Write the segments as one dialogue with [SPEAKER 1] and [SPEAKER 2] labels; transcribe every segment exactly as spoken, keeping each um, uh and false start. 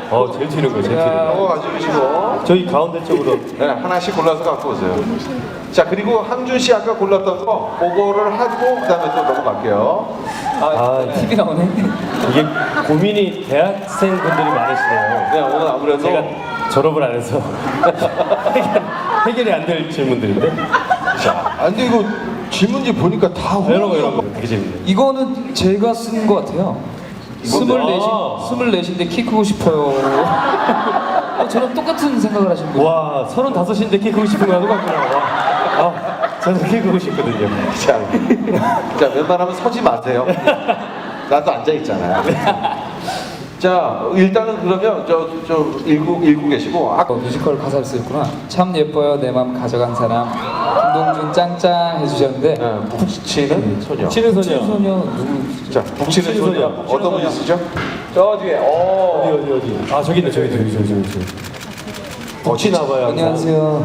[SPEAKER 1] 어, 제일 튀는 거, 제일 튀는 거.
[SPEAKER 2] 이거 가지고 계시고.
[SPEAKER 1] 저기 가운데 쪽으로.
[SPEAKER 2] 네, 하나씩 골라서 갖고 오세요. 자, 그리고 항준 씨 아까 골랐던 거, 그거를 하고 그다음에 또 넘어갈게요.
[SPEAKER 1] 아,
[SPEAKER 3] 티비 나오네.
[SPEAKER 1] 이게 고민이 대학생 분들이 많으시네요.
[SPEAKER 2] 네, 오늘 아무래도
[SPEAKER 1] 제가 졸업을 안 해서 해결, 해결이 안 될 질문들인데.
[SPEAKER 2] 자, 아, 근데 이거 질문지 보니까 다
[SPEAKER 1] 이런 거, 이런 거 되게 재밌네.
[SPEAKER 3] 이거는 제가 쓴 것 같아요. 스물넷이
[SPEAKER 1] 아.
[SPEAKER 3] 스물넷인데 키 크고 싶어요. 어, 저랑 똑같은 생각을 하시는 거예요.
[SPEAKER 1] 와, 서른다섯인데 키 크고 싶은 거 하는 거 같구나. 와. 아, 저는 키 크고 싶거든요.
[SPEAKER 2] 자, 자, 웬만하면 서지 마세요. 나도 앉아 있잖아요. 자, 일단은 그러면 저, 저 읽고, 읽고 계시고. 아,
[SPEAKER 3] 어, 뮤지컬 가사를 쓰셨구나. 참 예뻐요 내 맘 가져간 사람. 김동준 짱짱 해주셨는데.
[SPEAKER 2] 네, 북치는 소녀.
[SPEAKER 1] 치는
[SPEAKER 3] 친
[SPEAKER 1] 소녀.
[SPEAKER 3] 소녀 누구?
[SPEAKER 2] 자, 북치는
[SPEAKER 1] 북치는
[SPEAKER 2] 소녀.
[SPEAKER 1] 소녀.
[SPEAKER 2] 어떤 분이 쓰죠?
[SPEAKER 3] 저 뒤에. 어.
[SPEAKER 1] 어디, 어디, 어디. 아, 저기 있네, 저기, 저기, 저기, 저기. 저기. 북치나 봐요.
[SPEAKER 3] 안녕하세요.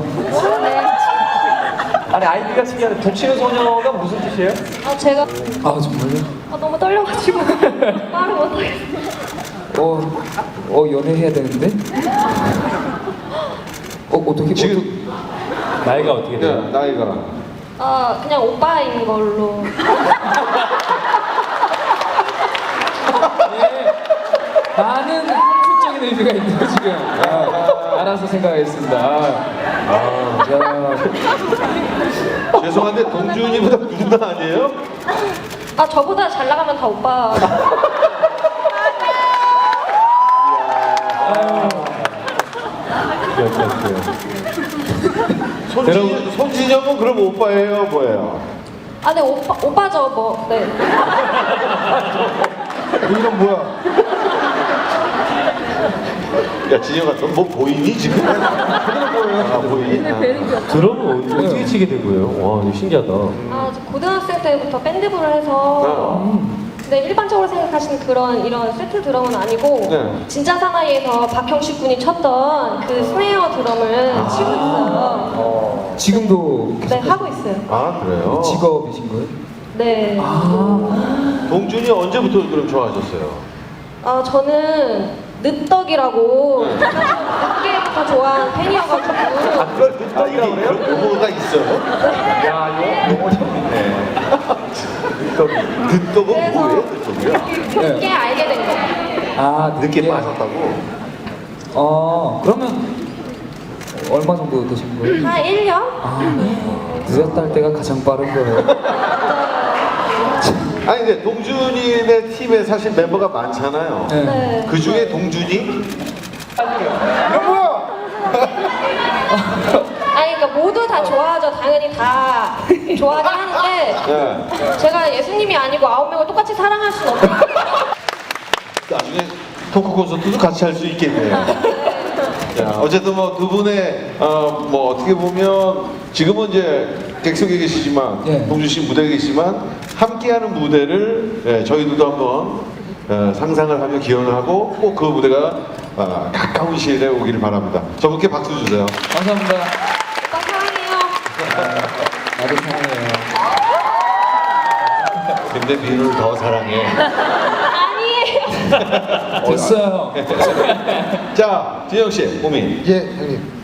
[SPEAKER 1] 아니, 아이디가 신기한데, 북치는 소녀가 무슨 뜻이에요?
[SPEAKER 4] 아 제가
[SPEAKER 3] 아 정말요?
[SPEAKER 4] 아, 너무 떨려가지고 말을 못하겠어요.
[SPEAKER 3] 어, 어 연애해야 되는데? 어 어떻게
[SPEAKER 2] 지금
[SPEAKER 1] 나이가 어떻게 돼요?
[SPEAKER 2] 네, 나이가.
[SPEAKER 4] 아 그냥 오빠인 걸로.
[SPEAKER 3] 예, 많은 함축적인 의미가 있네요 지금. 아, 알아서 생각하겠습니다. 아, 야,
[SPEAKER 2] 죄송한데 동준이보다 누나 아니에요?
[SPEAKER 4] 아 저보다 잘 나가면 다 오빠.
[SPEAKER 2] 손진, 손진영은 그럼 오빠예요, 뭐예요?
[SPEAKER 4] 아 네 오빠 오빠죠 뭐. 네.
[SPEAKER 2] 이건 뭐야? 야, 진영아, 너 뭐 보이니 지금? 아, 보이니? 아.
[SPEAKER 1] 드럼은 어떻게 치게 된 거예요? 와, 이거 신기하다.
[SPEAKER 4] 아 저 고등학생 때부터 밴드부를 해서. 근데 일반적으로 생각하시는 그런 이런 세트 드럼은 아니고
[SPEAKER 2] 네.
[SPEAKER 4] 진짜 사나이에서 박형식 군이 쳤던 그 스네어 드럼을 치고 있어요.
[SPEAKER 3] 지금도
[SPEAKER 4] 네 하고 있어요.
[SPEAKER 2] 아, 그래요?
[SPEAKER 3] 직업이신 거예요?
[SPEAKER 4] 네.
[SPEAKER 2] 동준이 언제부터 그럼 좋아하셨어요?
[SPEAKER 4] 아 저는 늦덕이라고 늦게부터 좋아하는 팬이어가지고.
[SPEAKER 2] 아, 그걸 늦덕이라고 그래요? 그런 용어가 있어요? 야, 이거 용어 참 있네. 늦덕이. 늦덕은
[SPEAKER 4] 그래서
[SPEAKER 2] 뭐예요, 늦덕이요?
[SPEAKER 4] 늦게 알게 된 거예요.
[SPEAKER 3] 아
[SPEAKER 2] 늦게 빠졌다고?
[SPEAKER 3] 어 그러면 얼마 정도 되신 거예요?
[SPEAKER 4] 한 일 년?
[SPEAKER 3] 아 늦었다 할 때가 가장 빠른 거예요.
[SPEAKER 2] 아니, 근데 동준이네 팀에 사실 멤버가 많잖아요.
[SPEAKER 3] 네.
[SPEAKER 4] 네.
[SPEAKER 2] 그 중에 동준이? 이건 뭐야?
[SPEAKER 4] 아니 그러니까 모두 다 좋아하죠. 당연히 다 좋아하긴 하는데
[SPEAKER 2] 네.
[SPEAKER 4] 제가 예수님이 아니고 아홉 명을 똑같이 사랑할 수는 없어요.
[SPEAKER 2] 나중에 토크 콘서트도 같이 할 수 있겠네요. 자, 어쨌든 뭐 두 분의 어, 뭐 어떻게 보면 지금은 이제 객석에 계시지만
[SPEAKER 3] 예.
[SPEAKER 2] 동준 씨 무대에 계시지만 함께하는 무대를 예, 저희들도 한번 어, 상상을 하며 기원을 하고 꼭 그 무대가 어, 가까운 시일에 오기를 바랍니다. 저분께 박수 주세요.
[SPEAKER 3] 감사합니다.
[SPEAKER 4] 오빠 사랑해요.
[SPEAKER 3] 나도 사랑해요.
[SPEAKER 2] 근데 민우를 더 사랑해.
[SPEAKER 4] 아니에요.
[SPEAKER 3] 됐어요.
[SPEAKER 2] 자, 진영 씨, 고민.
[SPEAKER 5] 예, 형님.